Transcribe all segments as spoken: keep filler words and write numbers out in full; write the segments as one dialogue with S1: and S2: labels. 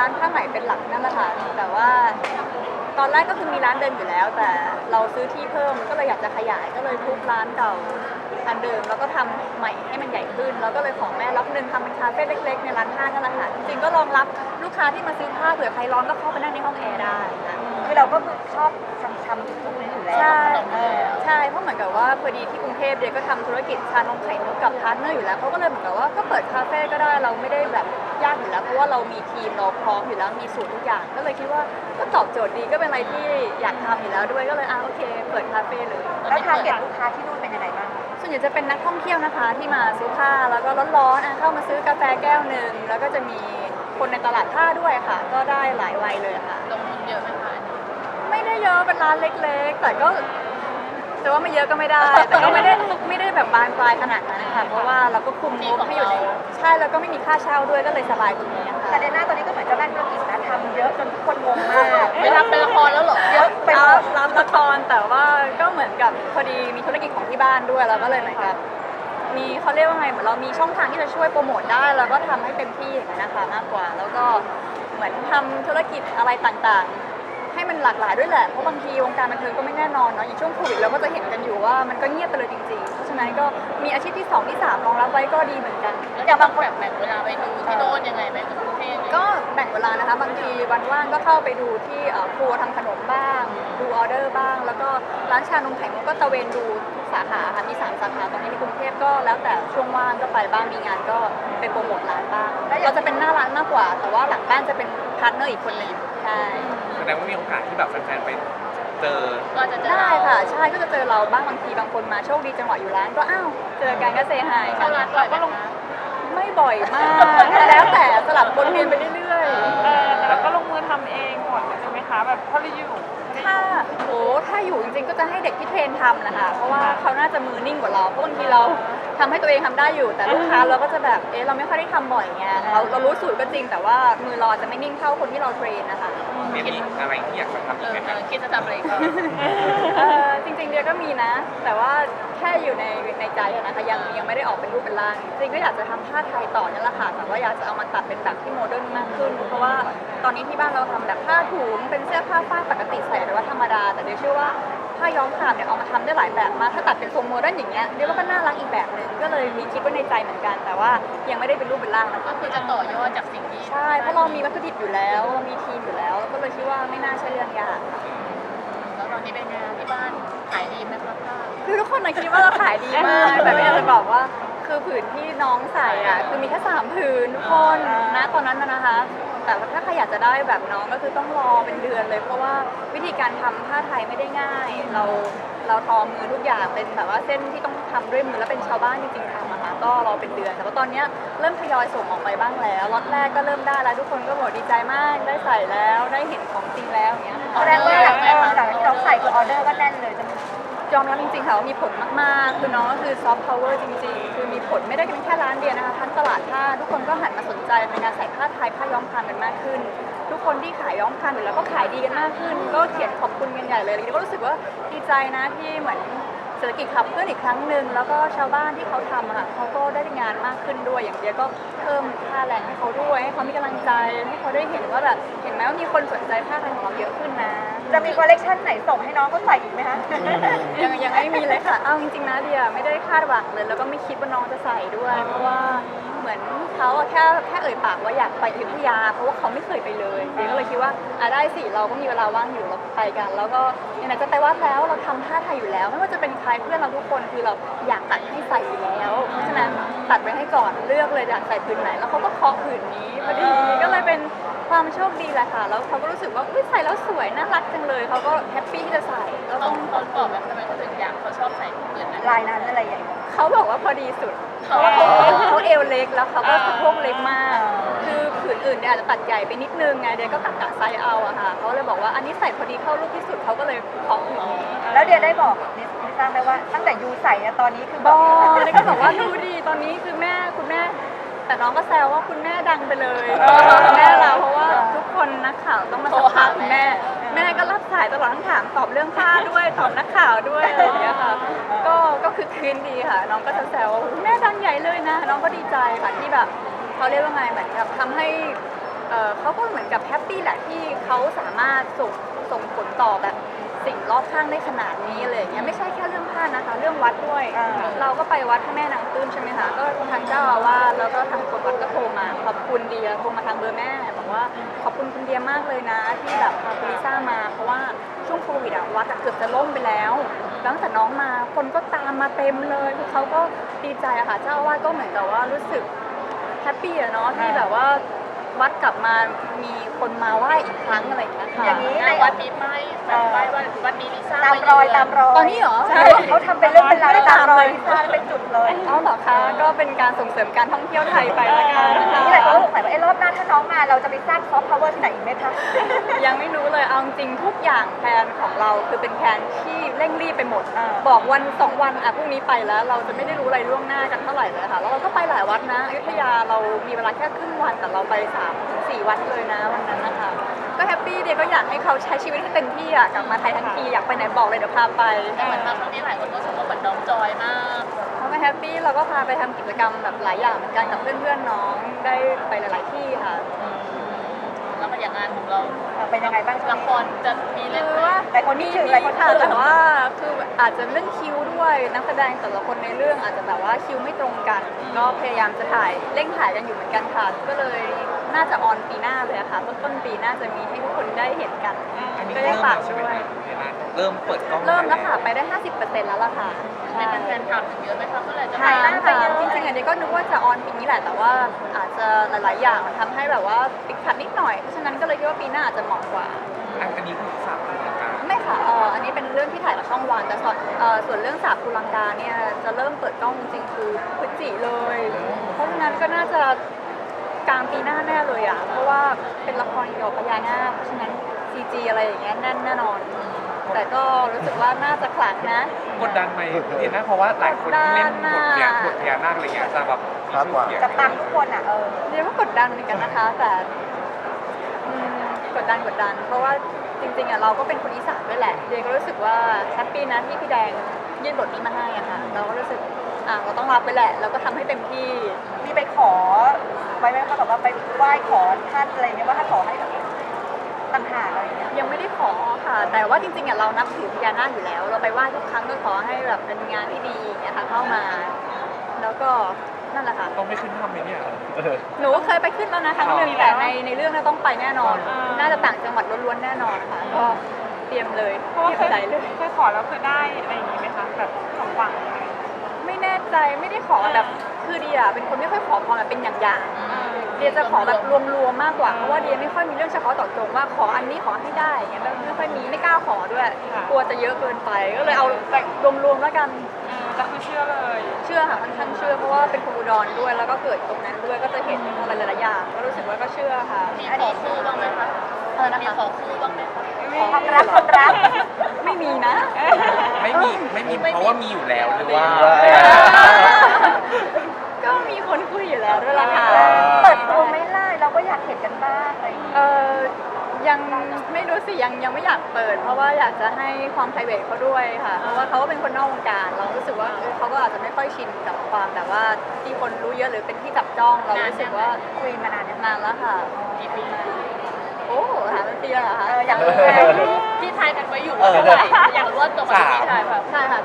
S1: านผ้าไหมเป็นหลักนั่นแหละค่ะแต่ว่าตอนแรกก็คือมีร้านเดิมอยู่แล้ว แต่เราซื้อที่เพิ่มก็เลยอยากจะขยายก็เลยทุบร้านเก่าอันเดิมแล้วก็ทำใหม่ให้มันใหญ่ขึ้นแล้วก็เลยขอแม่ล็อกหนึ่งทำเป็นคาเฟ่เล็กๆในร้านผ้านั่นแหละค่ะจริงๆก็รองรับลูกค้าที่มาซื้อผ้าเผื่อใครร้อนก็เข้าไปนั่งในห้องแอร์ได้ค่ะ
S2: คือเราก็ชอบทำทำทุกนี้อยู่แล้ว
S1: ใช่
S2: เออ
S1: ใช่เพราะเหมือนกับว่าพอดีที่กรุงเทพเดียก็ทำธุรกิจชานมไข่มุกกับพาร์ทเนอร์อยู่แล้วเขาก็เลยเหมือนกับว่าก็เปิดคาเฟ่ก็ได้เราไม่ได้แบบยากอยู่แล้วเพราะว่าเรามีทีมเราพร้อมอยู่แล้วมีสูตรทุกอย่างก็เลยคิดว่าก็ตอบโจทย์ดีก็เป็นอะไรที่อยากทำอยู่แล้วด้วยก็เลยอ่ะโอเคเปิดคาเฟ่เลย
S2: แล้วทาร์เก็ตลูกค้าที่นู่นเป็นยังไงบ้าง
S1: ส่วนใหญ่จะเป็นนักท่องเที่ยวนะคะที่มาซื้อผ้าแล้วก็ร้อนๆอ่ะเข้ามาซื้อกาแฟแก้วหนึ่งแล้วก็จะมีคนในตลาดผ้าด้วยค่ะ ก็ได้หลายวัยเลยค่ะ
S3: ลงทุนเยอะไหมคะ
S1: ไม่ได้เยอะเป็นร้านเล็กๆ แต่ก็จะว่าไม่เยอะก็ไม่ได้ แต่ก็ไม่ได้ไม่ได้แบบบานปลายขนาดนั้นค่ะเพราะว่าเราก็คุมงบให้อยู่ในใช่แล้วก็ไม่มีค่าเช่าด้วยก็เลยสบายตรงนี้ค่ะ
S2: แต่ในหน้าตอนนี้ก็เหมือนเจ้าแม่ธุรกิจนะทำเยอะจนทุกคนงงมาก
S3: ไม่รับเป็นละครแล้วเหรอ
S2: เยอะไปหม
S1: รับ
S2: ด
S1: รับละครแต่ว่าก็เหมือนกับพอดีมีธุรกิจของที่บ้านด้วยแล้วก็เลยเหมือนกับมีเขาเรียกว่าไงเหมือนเรามีช่องทางที่จะช่วยโปรโมทได้แล้วก็ทำให้เต็มที่อย่างนั้นนะคะมากกว่า แล้วก็เหมือนทำธุรกิจอะไรต่างๆ ให้มันหลากหลายด้วยแหละเพราะบางทีวงการบันเทิงก็ไม่แน่นอนเนาะอย่างช่วงโควิดเราก็จะเห็นกันอยู่ว่ามันก็เงียบไปเลยจริงๆเพราะฉะนั้นก็มีอาชีพที่สองที่สามรองรับไว้ก็ดีเหมือนกัน
S3: แล้วจะบางแบบแบ่งเวลาไปดูที่โน่นยังไงไหมกับกรุงเทพเนี่ย
S1: ก็แบ่งเวลานะคะบางทีวันว่างก็เข้าไปดูที่เอ่อครัวทำขนมบ้าง ดูออเดอร์บ้าง แล้วก็ร้านชานมไข่มุกก็ตะเวนดูทุกสาขาค่ะมีสามสาขาตอนนี้ในกรุงเทพก็แล้วแต่ช่วงว่างก็ไปบ้างมีงานก็ไปโปรโมทร้านบ้างเราจะเป็นหน้าร้านมากกว่า แต่ว่าหลังบ้านจะเป็นพาร์ทเนอร์อีกคนหนึ่งใช่
S4: แสดงว่ามีโอกาสที่แบบแฟนๆไปเจอ
S3: ก็จะเจอ
S1: ได้
S3: เรา
S1: ค่ะใช่ก็จะเจอเราบ้างบางทีบางคนมาโชคดีจังหวะอยู่ร้านก็อ้าวเจอกันก็เซฮาย
S3: เข้าร้านบ่อยไหมคะ
S1: ไม่บ่อยมาก แล้วแต่สลับวนเวียนไปเรื่อย
S5: เออแต่เราก็ลงมือทำเองหมดเลยใช่ไหมคะแบบเท่าที่อยู่
S1: ๆถ้าโอ้ถ้าอยู่จริงๆก็จะให้เด็กที่เทรนทำนะคะเพราะว่าเขาน่าจะมือนิ่งกว่าเราเพราะบางทีเราทำให้ตัวเองทำได้อยู่ แต่ลูกค้าเราก็จะแบบเอ๊ะเราไม่ค่อยได้ทำบ่อยไงเราเรารู้สูตรก็จริง แต่ว่ามือเราอาจจะไม่นิ่งเท่าคนที่เราเทรนนะคะ
S4: เรียนมีอะไรที่อยากจะทำ
S3: เอ
S4: อีก
S3: อ
S4: ไหม
S3: เอ
S4: ครับ
S3: อคิดจะทำอะไรก็
S1: เออจริงๆเดียก็มีนะ แต่ว่าแค่อยู่ในในใจอะนะคะยังยังไม่ได้ออกเป็นรูปเป็นร่างจริงๆก็อยากจะทำผ้าไทยต่อนั่นแหละค่ะแต่ว่าอยากจะเอามาตัดเป็นแบบที่โมเดิร์นมากขึ้น เพราะว่าตอนนี้ที่บ้านเราทำแบบผ้าถุงเป็นเสื้อผ้าฝ้ายปกติใส่หรือว่าธรรมดา แต่เดียเชื่อว่าผ้าย้อมครามเนี่ยเอามาทำได้หลายแบบมากถ้าตัดเป็นทรงโมเดิร์นอย่างเงี้ยเดียว่าก็น่ารักอีกแบบหนึ่งก็เลยมีคิดไว้ในใจเหมือนกัน แต่ว่ายังไม่ได้เป็นรูปเป็นร่างนะคะ
S3: ก็คือจะต่อยอดจากสิ่งที่
S1: ใช่เพราะเรามีวัตถุดิบอยู่แล้วมีทีมอยู่แล้วแล้วก็เลยคิดว่าไม่น่าใช่เรื่องยากค่ะ
S3: แล้วตอนนี้เป็นไงที่บ้านขายดีไหมคะผ้า
S1: คือทุกคนน่ะคิดว่าเราขายดีมาก แต่ไม่อยากจะบอกว่าคือผืนที่น้องใส่อ่ะคือมีแค่สามผืนทุกคนนะตอนนั้นนะนะคะ แต่ว่าถ้าใครอยากจะได้แบบน้องก็คือต้องรอเป็นเดือนเลย เพราะว่าวิธีการทำผ้าไทยไม่ได้ง่าย เราเราทอมือทุกอย่างเป็นแบบว่าเส้นที่ต้องทำด้วยมือแล้วเป็นชาวบ้านจริงๆทำอะค่ะก็รอเป็นเดือนแต่ว่าตอนเนี้ยเริ่มทยอยส่งออกไปบ้างแล้วล็อตแรกก็เริ่มได้แล้วทุกคนก็บอกดีใจมากได้ใส่แล้วได้เห็นของจริงแล้วอย่างเงี้ยค่ะ
S2: แสดงว่าหลังเออหลังที่เราใส่คือออเดอร์ก็แน่นเลยใช่ไหม
S1: ยอมรับจริงๆค่ะว่ามีผลมากๆ คือน้องก็คือซอฟต์พาวเวอร์จริงๆ คือมีผลไม่ได้เป็นแค่ร้านเดียวนะคะทั้งตลาดผ้าทุกคนก็หันมาสนใจในการใส่ผ้าไทยผ้าย้อมครามกันมากขึ้น ทุกคนที่ขายย้อมครามอยู่แล้วก็ขายดีกันมากขึ้น ก็เขียนขอบคุณกันใหญ่เลยแล้วก็รู้สึกว่าดีใจนะที่เหมือนเศรษฐกิจขับเคลื่อนอีกครั้งหนึ่งแล้วก็ชาวบ้านที่เขาทำอะค่ะเขาก็ได้งานมากขึ้นด้วยอย่างเดียวก็เพิ่มค่าแรงให้เขาด้วยให้เขามีกำลังใจให้เขาได้เห็นว่าแบบเห็นไหมว่ามีคนสนใจผ้าไทยของเราเยอะขึ้นนะ
S2: จะมีคอลเลคชันไหนส่งให้น้องเขาใส่อีกไหมคะ
S1: ยังยังไม่มีเลยค่ะ เอาจริงๆนะเดียไม่ได้คาดหวังเลย แล้วก็ไม่คิดว่าน้องจะใส่ด้วย เพราะว่าเหมือนเขาอะแค่แค่เอ่ยปากว่าอยากไปอยุธยา เพราะว่าเขาไม่เคยไปเลยเดียก็เลยคิดว่าอ่ะได้สิ เราก็มีเวลาว่างอยู่เราไปกัน แล้วก็ไหนๆจะไปวัดแล้วเราทำผ้าไทยอยู่แล้ว ไม่ว่าจะเป็นใครเพื่อนเราทุกคนคือเราอยากตัดให้ใส่อยู่แล้ว เพราะฉะนั้นตัดไว้ให้ก่อนเลือกเลยอยากใส่ผืนไหน แล้วเขาก็เคาะผืนนี้พอดี ก็เลยเป็นความโชคดีแหละค่ะ แล้วเขาก็รู้สึกว่าอุ๊ยใส่แล้วสวยน่ารักจังเลย เขาก็แฮปปี้ที่จะใส่แล้ว
S3: ต้
S1: ต้
S3: อ
S1: อง ง
S3: ต้นบอกแบบทำไมเขาถึงอยากเขาชอบใส่เกินนั้น
S2: ลายนั้นอะไรอย่างเงี้ย
S1: เขาบอกว่าพอดีสุด เพราะว่าเขาเขาเอวเล็กแล้วเขาก็สะโพกเล็กมาก
S2: อ่า
S1: คือผืนอื่นเนี่ยอาจจะตัดใหญ่ไปนิดนึงไงเดี๋ยวก็กะกะไซส์เอาอะค่ะเขาเลยบอกว่าอันนี้ใส่พอดีเข้ารูปที่สุดเขาก็เลยขอผืนนี้
S2: แล้วเดียได้บอกนิสนิสทราบไหมว่าตั้งแต่ยูใส่อะตอนนี้คือ
S1: บบ
S2: อ
S1: อก กเลยก็บอกว่าดูดีตอนนี้คือแม่คุณแม่ แต่น้องก็แซวว่าคุณแม่ดังไปเลยคุณแม่เราเพราะว่าทุกคนนักข่าวต้องมาสัมภาษณ์คุณแม่ แม่ก็รับสายตลอดทั้งถามตอบเรื่องผ้าด้วยตอบนักข่าวด้วยอะไรอย่างเงี้ยค่ะก็ก็คือคืนดีค่ะ น้องก็จะแซวว่าแม่ดังใหญ่เลยนะ น้องก็ดีใจค่ะที่แบบเขาเรียกว่าไงเหมือนกับทำให้เอ่อเขาก็เหมือนกับแฮปปี้แหละที่เขาสามารถส่งส่งผลต่อแบบสิ่งรอบข้างได้ขนาดนี้เลยอย่างเงี้ยไม่ใช่แค่เรื่องผ้านะคะ เรื่องวัดด้วย
S2: อ่า
S1: เราก็ไปวัดพระแม่นางตื้นใช่ไหมคะก็ทางเจ้าอาวาสแล้วก็ทางคนวัดก็โทรมาขอบคุณเดียโทรมาทางเบอร์แม่บอกว่าขอบคุณคุณเดียมากเลยนะ ที่แบบพาคุณลิซ่ามาเพราะว่าช่วงโควิดอะวัดอะเกือบจะล่มไปแล้วตั้งแต่น้องมาคนก็ตามมาเต็มเลยคือเขาก็ดีใจอะค่ะเจ้าอาวาสก็เหมือนกับว่ารู้สึกแฮปปี้อะเนาะที่แบบว่าวัดกลับมามีคนมาไหว้อีกครั้งอะไรอย่างเงี้ยค่ะ
S2: อย่างนี้
S3: หน้าวัดมีป้ายแบบป้ายว่าวัดนี้ลิซ่า
S2: ตามรอยตามรอย
S1: ตอนนี้เหรอ
S2: ใช่เขาทำเป็นเรื่องเป็นราวตามรอยลิซ่าเป็นจุดเลย
S1: เอาเหรอคะก็เป็นการส่งเสริมการท่องเที่ยวไทยไปละกันนะคะ
S2: นี่หลายคนก็สงสัยว่าไอ้รอบหน้าถ้าน้องมาเราจะไปสร้างซอฟต์พาวเวอร์ที่ไหนอีกไหมคะ
S1: ยังไม่รู้เลยเอาจริงๆทุกอย่างแผนของเราคือเป็นแผนที่เร่งรีบไปหมด
S2: อ่า
S1: บอกวันสองวันอ่ะพรุ่งนี้ไปแล้ว เราจะไม่ได้รู้อะไรล่วงหน้ากันเท่าไหร่เลยค่ะแล้วเราก็ไปหลายวัดนะอยุธยาเรามีเวลาแค่ครึ่งวันแต่เราไปสามถึงสี่วัดเลยนะวันนั้นนะคะก็แฮปปี้เดียก็อยากให้เขาใช้ชีวิตให้เต็มที่อ่ะกลับมาไทยทั้งทีอยากไปไหนบอกเลยเดี๋ยวพาไป
S3: แต่เหมือนมาครั้งนี้หลายคนก็ชมว่าเหมือนน้องจอยมาก
S1: เขาก็แฮปปี้เราก็พาไปทำกิจกรรมแบบหลายอย่างเหมือนกันกับเพื่อนๆน้องได้ไปหลาย ๆที่ค่ะ
S3: แล้วมาอย่างงานของเรา
S2: เป็นยังไงบ้างช่ว
S3: ละ
S2: ง
S3: ค
S2: นี้
S3: รจะมีเล่น
S1: คือ
S3: ไหม
S1: ว่า
S2: หลายคนคิดถึงหลายคนคิด
S1: ค่ะ
S2: ถึง
S1: แต่ว่าคืออาจจะเรื่องคิวด้วยนักแสดงแต่ละคนในเรื่องอาจจะแบบว่าคิวไม่ตรงกัน ก็พยายามจะถ่ายเร่งถ่ายกันอยู่เหมือนกันค่ะ ก็เลยน่าจะออนปีหน้าเลยอะค่ะต้นต้นปีหน้าจะมีให้ทุกคนได้เห็นกัน
S4: อันนี้
S1: ก็
S4: เริ่
S1: ได้
S4: ม
S1: ฝา
S4: แล้
S1: ก
S4: วใช่ไหม
S1: ด้วย
S4: คะเวลาเริ่มเปิดกล้อง
S1: เริ่มแล้วค่ะไปได้ ห้าสิบเปอร์เซ็นต์ แล้วล่ะค่ะ
S3: มีแฟนๆถามถึงเยอะไหมคะเมื่อไหร่จะ
S1: ถาม
S3: ไป
S1: ค่ะจริงๆอันนี้ก็นึกว่าจะออนปีนี้แหละแต่ว่าอาจจะหลาย ๆ อย่างมันทำให้แบบว่าติดขัดนิดหน่อยเพราะฉะนั้นก็เลยคิดว่าปีหน้าอาจจะเหมาะกว่า
S4: อันนี้คือสามรายการ
S1: ไม่ค่ะเอออันนี้เป็นเรื่องที่ถ่ายกับช่องวันแต่ส่วนเอ่อส่วนเรื่องสาบภูลังกาเนี่ยจะเริ่มเปิดกล้องจริงๆคือพฤศจิเลย เพราะฉะนั้นก็น่าจะกลางปีหน้าแน่เลยอ่ะ เพราะว่าเป็นละครเกี่ยวกับพญานาคเพราะฉะนั้น ซี จี อะไรอย่างเงี้ยแน่นแน่นอน แต่ก็รู้สึกว่าน่าจะขลังนะ
S4: กดดันไหมเห็นนะเพราะว่าหลายคนที่เล่นบทเนี่ยบทพญานาคอะไรเงี้ยจะแบบมีชื่อเสียง
S2: จะปังทุกคนอ่ะเออ
S1: เรียกว่ากดดันเหมือนกันนะคะ แต่อืมกดดันกดดัน เพราะว่าจริงๆอ่ะเราก็เป็นคนอีสานด้วยแหละเดียก็รู้สึกว่าแฮปปี้นะที่พี่แดงยื่นบทนี้มาให้อะค่ะเราก็รู้สึกอ่ะเราต้องรับไปแหละเราก็ทำให้เต็มที่
S2: มีไปขอไว้ไหมคะแบบว่าไปไหว้ขอท่านอะไรเงี้ยว่าถ้าขอให้แบบต่างหากอะไรเงี้ย
S1: ยังไม่ได้ขอค่ะ แต่ว่าจริงๆอ่ะเรานับถือพญานาคอยู่แล้ว เราไปไหว้ทุกครั้งก็ขอให้แบบเป็นงานที่ดีอย่างเงี้ยค่ะเข้ามา แล้วก็นั่นแหละค่ะ
S4: ต้องไม่ขึ้นทำไหมเนี่ย
S1: หนูก็เคยไปขึ้นแล้วนะครั้งหนึ่ง
S4: อ๋อ
S1: แต่ในในเรื่องน่าต้องไปแน่นอน
S5: อ่า
S1: น่าจะต่างจังหวัดล้วนๆแน่นอนค่ะ ก็เตรียมเลย
S5: เพราะว่า
S1: เตรีย
S5: เค
S1: ม
S5: ย
S1: ใจเลย
S5: เคยขอแล้วคือได้อะไรอย่างงี้ไหมคะแบบสมหวังอะไร
S1: ไม่แน่ใจไม่ได้ขอแบบคือเดียเป็นคนไม่ค่อยขอพรแบบเป็นอย่างๆเดียจะขอแบบรวมๆมากกว่าเพราะว่าเดียไม่ค่อยมีเรื่องเฉพาะเจาะจงว่าขออันนี้ขอให้ได้อย่างเงี้ยไม่ค่อยมีไม่กล้าขอด้วย กลัวจะเยอะเกินไปก็เลยเอาแบบรวมๆแล้วกัน
S5: เออแต่คือเชื่อเลย
S1: เชื่อค่ะค่อนข้างเชื่อเพราะว่าเป็นคนอุดรด้วยแล้วก็เกิดตรงนั้นด้วยก็จะเห็นอะไรหลายๆอย่างก็รู้สึกว่าก็เชื่อค่ะ
S3: มีขอคู่บ้างไหมคะ
S1: อะไรนะ
S3: มี
S1: คะ
S3: ขอคู่บ้างไหมคะ
S2: ความรักความรัก
S1: ไม่มีนะ
S4: ไม่มีไม่มีเพราะว่ามีอยู่แล้วหรือว่า
S1: ก็มีคนคุยอยู่แล้วด้วยล่ะค่ะ
S2: เปิดตัวไม่ไล่เราก็อยากเห็นกันบ้างอะไรอย่างเงี้ย
S1: เออยังไม่รู้สิยังยังไม่อยากเปิด เพราะว่าอยากจะให้ความ private เขาด้วยค่ะ เพราะว่าเขาก็เป็นคนนอกวงการ เรารู้สึกว่าเออเขาก็อาจจะไม่ค่อยชินกับความแบบว่าที่คนรู้เยอะหรือเป็นที่จับจ้องเรารู้สึกว่า
S2: คุยมานานยัง
S1: นานแล้วค่ะ
S3: กี่ปี
S1: โอ้หาเป็นปีแล้วเหรอคะ
S2: เอออยากรู้ไง
S3: ที่ทายกันไว้อยู่ว่าเท่าไหร่อยากรู้ว่าตรงกับที่พี่ทายแบบ
S1: ใช่ค่ะ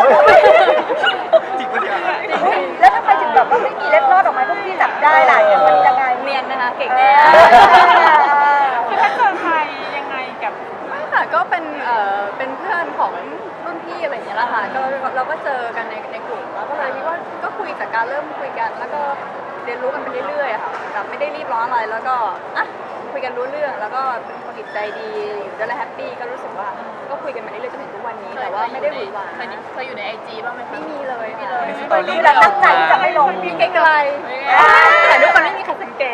S4: จริงปะเนี่ย
S2: แล้วทำไมถึงแบบว่าไม่มีเล็ดลอดออกมาพวกพี่จับได้ล่ะมันยังไง
S1: เนียนนะคะเก่ง
S2: เอ
S1: แน่
S2: อ
S5: คือถ้าเจอใครยังไงกับ
S1: ไม่ค่ะก็เป็นเอ่อเป็นเพื่อนของรุ่นพี่อะไรอย่างเงี้ยแหละค่ะก็เราก็เจอกันในในกลุ่มแล้วก็เลยคิดว่าก็คุยจากการเริ่มคุยกัน แล้วก็เรียนรู้กันไปเรื่อยๆอะค่ะแบบไม่ได้รีบร้อนอะไรแล้วก็อ่ะคุยกันรู้เรื่องแล้วก็เป็นคนจิตใจดีอยู่ด้วยแล้วแฮปปี้ก็รู้สึกว่าก็คุยกันมาเรื่อยๆจนถึงทุกวันนี้แต่ว่าไม่ได้หวือหวา
S3: เคยเคยอยู่ในไอจีบ้างไหมคะ
S1: ไม่มีเลยไม่เลย
S4: มีสตอรี่
S2: คือเราตั้งใจที่จะไม่ลง
S1: มีไกลๆแต่ทุกคนไม่มีใครสังเกต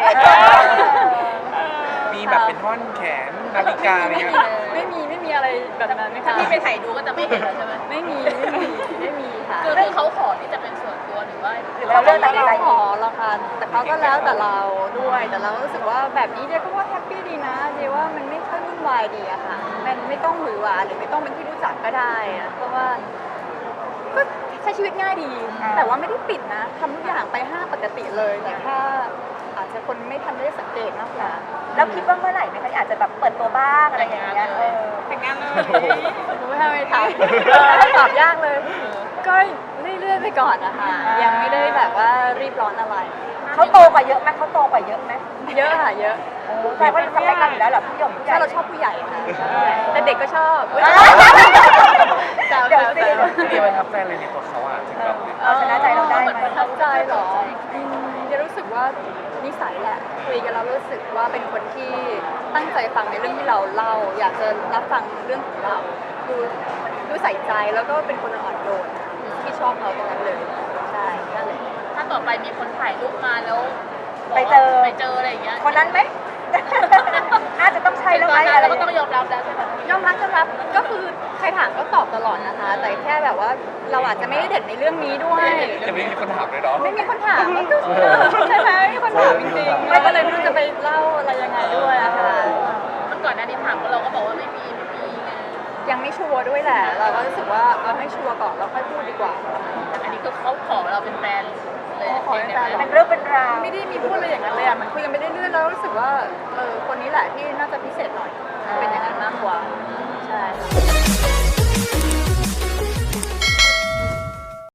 S4: มีแบบเป็นท่อนแขนนาฬิกาอะไรเงี้ย
S1: ไม่มีไม่มีอะไรแบบนั้นไหม
S3: ถ้า
S1: คะ
S3: พี่ไปถ่ายดูก็จะไม่เห็นแล้วใช่ไหม
S1: ไม่มีไม่มีไม่มีค่ะ
S3: คือคือเขาขอที่จะเป็นส่วนตัวหรือว่า
S2: หรือเราเลือกตัดสินใจ
S1: ขอหรอกค่ะแต่เขาก็แล้วแต่เราด้วยแต่เรารู้สึกว่าแบบนี้เดียก็ว่าแฮปปี้ดีนะเดียว่ามันไม่ค่อยวุ่นวายดีอะค่ะมันไม่ต้องหวือหวาหรือไม่ต้องเป็นที่รู้จักก็ได้อะเพราะว่าก็ใช้ชีวิตง่ายดี แต่ว่าไม่ได้ปิดนะทำทุกอย่างไปห้าปกติเลยแต่แค่อาจจะคนไม่ทันได้สังเกตมากกว่า
S2: แล้วคิดว่าเมื่อไหร่ไหมคะอาจจะแบบเปิดตัวบ้างอะไรอย่างเงี้ยเออ
S5: แต่งงานเลย
S1: ไม่ทำไม่ทำเออตอบยากเลย ก็เรื่อยๆไปก่อนนะคะยังไม่ได้แบบว่ารีบร้อนอะไร
S2: เขาโตกว่าเยอะไหมเขาโตกว่าเยอะไหม
S1: เยอะค่ะเยอะ
S2: โอ้แต่ว่าสเปคเราอยู่แล้วเหรอพี่หยงผู้ใหญ่
S1: ถ้าเราชอบผู้ใหญ่ค่ะแต่เด็กก็ชอบอุ๊ยแซว
S2: เดี๋ยว
S1: แซ
S2: สิ
S1: ว
S4: พี่เดียประทับใจอะไรในตัวเขาอ่ะถึงแบบ
S2: เอาชนะใจเราได้ไหม
S1: ประทับใจเหรออืมจะรู้สึกว่านิสัยแหละคุยกันแล้วรู้สึกว่าเป็นคนที่ตั้งใจฟังในเรื่องที่เราเล่า อยากจะรับฟังเรื่องของเราดูดูใส่ใจแล้วก็เป็นคนอ่อนโยนที่ชอบเขาตรงนั้นเลยใช่นั่นเลย
S3: ถ้าต่อไปมีคนถ่ายรูปมาแล้ว
S2: ไปเจอ
S3: ไปเจออะไรอย่างเงี้ย
S2: คนนั้นไหม อาจจะต้องใช่แล้วไหม
S3: ตอนนั้น
S2: อะไร
S3: เราก็ต้องยอมรับแล้วใช่ไหม
S1: ยอมรับยอมรับก็คือใครถามก็ตอบตลอดนะคะ แต่แค่แบบว่าเราอาจจะไม่ได้เด่นในเรื่องนี้ด้วย
S4: จะไม่มีคนถามเลยเนาะ
S1: ไม่มีคนถามมันก็ใช่ไหมไม่มีคนถามจริงๆไม่ก็เลยไม่รู้จะไปเล่าอะไรยังไงด้วยอะค่ะ
S3: มันก่อนหน้านี้ถามก็เราก็บอกว่าไม่มีไม่มีไง
S1: ยังไม่ชัวร์ด้วยแหละ เราก็รู้สึกว่าเอาให้ชัวร์ก่อนแล้วค่อยพูดดีกว่า
S3: อันนี้คือเขาขอเราเป็นแฟนเลย
S1: ขอเป็นแฟน
S2: เป็นเรื่องเป็นราว
S1: ไม่ได้มีพูดอะไรอย่างนั้นเลยอะมันคุยกันไปเรื่อยๆแล้วรู้สึกว่าเออคนนี้แหละที่น่าจะพิเศษหน่อยเป็นอย่างนั้นมากกว่าใช่